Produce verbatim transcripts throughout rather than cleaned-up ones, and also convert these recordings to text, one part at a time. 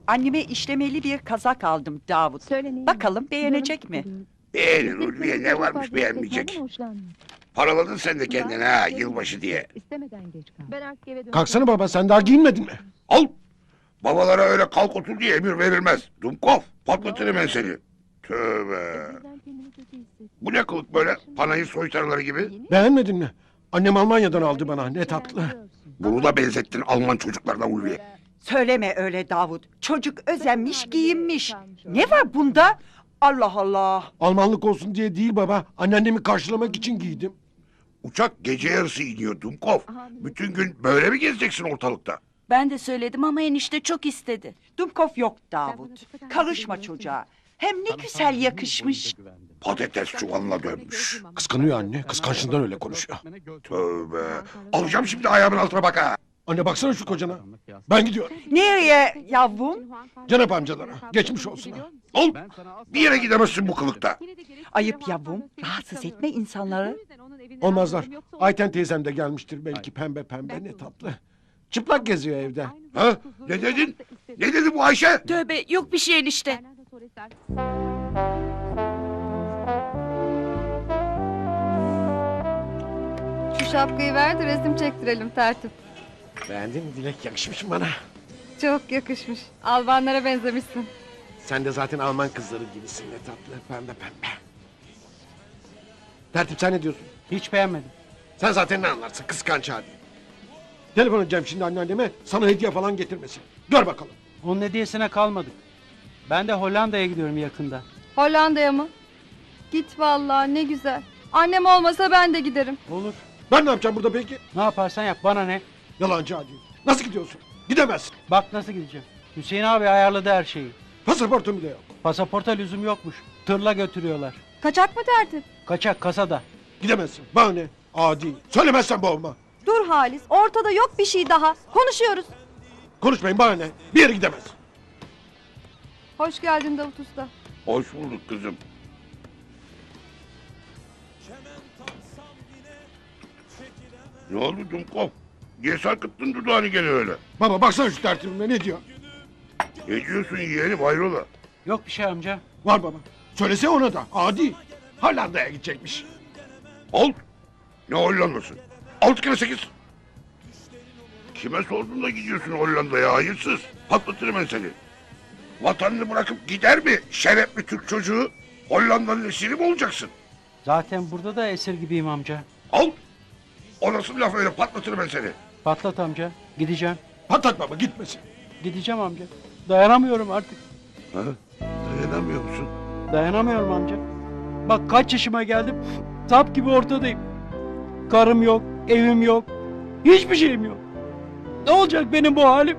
Anneme işlemeli bir kazak aldım Davut. Söyleneyin. Bakalım beğenecek mi? Beğenir Ulviye, ne varmış beğenmeyecek. Paraladın sen de kendine ha, yılbaşı diye. İstemeden geç kal. Ben artık eve döneceğim. Kalksana baba, sen daha giyinmedin mi? Al! Babalara öyle kalk otur diye emir verilmez. Dumkov, patlatırım ben seni. Tövbe. Birden kendimi kötü hissettim. Bu ne kılık böyle, panayır soytarıları gibi? Beğenmedin mi? Annem Almanya'dan aldı bana, ne tatlı. Bunu da benzettin Alman çocuklardan Ulviye. Söyleme öyle Davut. Çocuk özenmiş, giyinmiş. Ne var bunda? Allah Allah. Almanlık olsun diye değil baba, anneannemi karşılamak için giydim. Uçak gece yarısı iniyor Dumkov. Bütün gün böyle mi gezeceksin ortalıkta? Ben de söyledim ama enişte çok istedi. Dumkov yok Davut. Karışma çocuğa. Hem ne güzel yakışmış. Patates çuvalına dönmüş. Kıskanıyor anne, kıskançlığından öyle konuşuyor. Tövbe. Alacağım şimdi ayağımın altına bak ha. Anne baksana şu kocana. Ben gidiyorum. Nereye yavrum? Cenap amcalara, geçmiş olsun ha. Al. Bir yere gidemezsin bu kılıkta. Ayıp yavrum. Rahatsız etme insanları. Olmazlar. Ayten teyzem de gelmiştir belki, pembe pembe, ne tatlı. Çıplak geziyor evde. Ha? Ne dedin? Ne dedi bu Ayşe? Tövbe, yok bir şey enişte. Şu şapkayı ver de resim çektirelim tertip. Beğendin mi Dilek, yakışmış mı bana? Çok yakışmış. Albanlara benzemişsin. Sen de zaten Alman kızları gibisin, ne tatlı, pembe pembe. Tertip, sen ne diyorsun? Hiç beğenmedim. Sen zaten ne anlarsın, kıskanç hadi. Telefon edeceğim şimdi anneanneme, sana hediye falan getirmesin. Gör bakalım. Onun hediyesine kalmadık. Ben de Hollanda'ya gidiyorum yakında. Hollanda'ya mı? Git vallahi, ne güzel. Annem olmasa ben de giderim. Olur. Ben ne yapacağım burada peki? Ne yaparsan yap, bana ne? Yalancı hadi. Nasıl gidiyorsun? Gidemezsin. Bak nasıl gideceğim. Hüseyin abi ayarladı her şeyi. Pasaportun bile yok. Pasaporta lüzum yokmuş. Tırla götürüyorlar. Kaçak mı tertip? Kaçak kasada. Gidemezsin. Bana ne? Adi. Söylemezsen boğulma. Dur Halis, ortada yok bir şey daha. Konuşuyoruz. Konuşmayın, bana ne? Bir yere gidemez. Hoş geldin Davut Usta. Hoş bulduk kızım. Ne oldu Dumkov? Niye sarkıttın dudağını gene öyle? Baba baksana şu tertibime, ne diyor? Ne diyorsun yeğenim hayrola? Yok bir şey amca. Var baba. Söylese ona da. Adi. Hollanda'ya gidecekmiş. Al. Ne Hollanda'sı? Altı kere sekiz. Kime sordun da gidiyorsun Hollanda'ya hayırsız? Patlatırım ben seni. Vatanını bırakıp gider mi şerefli Türk çocuğu? Hollanda'nın esiri mi olacaksın? Zaten burada da esir gibiyim amca. Al. O nasıl laf öyle, patlatırım ben seni. Patlat amca. Gideceğim. Patlat baba, gitmesin. Gideceğim amca. Dayanamıyorum artık. Ha? Dayanamıyor musun? Dayanamıyorum amca. Bak kaç yaşıma geldim. Sap gibi ortadayım. Karım yok, evim yok. Hiçbir şeyim yok. Ne olacak benim bu halim?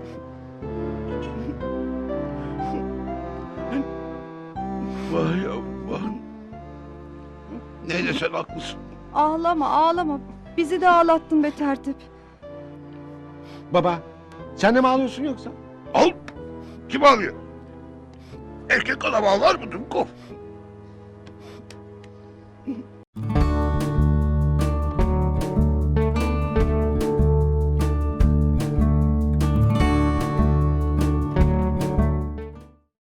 Vay aman. Neyse sen haklısın. Ağlama, ağlama. Bizi de ağlattın be tertip. Baba, sen de mi ağlıyorsun yoksa? Al. Kim ağlıyor? Erkek adam ağlar mı Dumkov?